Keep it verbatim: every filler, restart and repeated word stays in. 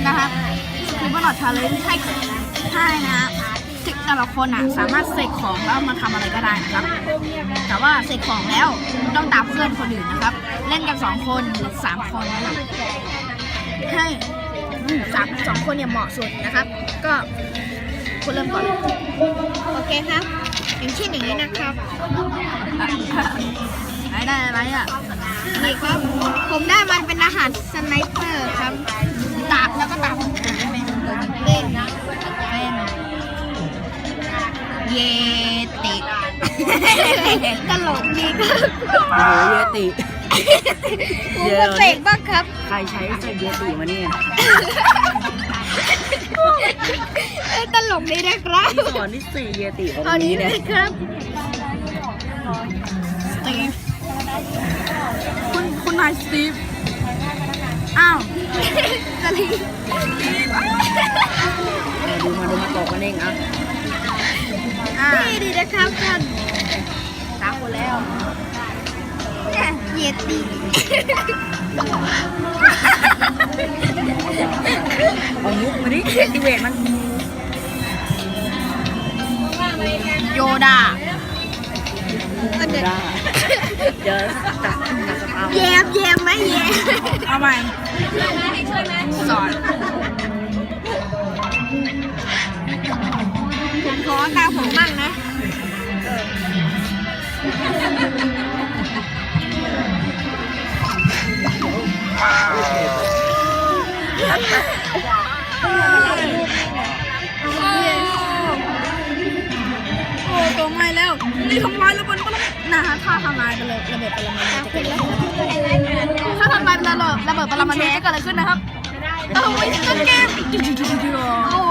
นะครับคือว่าหลอดชาเลนจ์ให้ให้นะฮะแต่ละคนอ่ะสามารถเสกของแล้วมาทำอะไรก็ได้นะครับแต่ว่าเสกของแล้วต้องตามเพื่อนคนอื่นนะครับ เล่นกันสองคนหรือสามคนนะครับให้สามสองคนเนี่ยเหมาะสุดนะครับ ก็คุณเริ่มก่อนโอเคครับอย่างเช่นอย่างนี้นะครับได้ได้อะไรอ่ะนี่ครับผมได้มันเป็นอาหารสไนเปอร์ครับตากแล้วก็ตากเป็นเล่นนะเป็นเยติตลกดีครับโอ้โหเยติผมก็เสกบ้างครับใครใช้ใส่เยติมาเนี่ยตลกดีนะครับที่สอนที่สี่เยติของเอานี้นี้เนี่ยเลยครับสตีฟคุณคุณนายสตีฟอ้าวสตีฟดูมาดูมาตอกกันเองอ่ะนี่ดีนะครับท่านตามคนแล้วเยติเอามุกมาดิเอติเวทมันโยดาไม่ได้เดี๋ยวตัดตัดสภาพแยมแยมไหมแยมเอาใหม่สอนผมขอตามผมมั่งนะโอ้ตัวไม่แล้วนี่ทำลายระเบิดปรมานะฮะถ้าทำลายระเบิดระเบิดปรมาณูจะเกิดอะไรขึ้นถ้าทำลายระเบิดระเบิดปรมาณูจะเกิดอะไรขึ้นนะครับเอาไว้ต้นเกมโอ้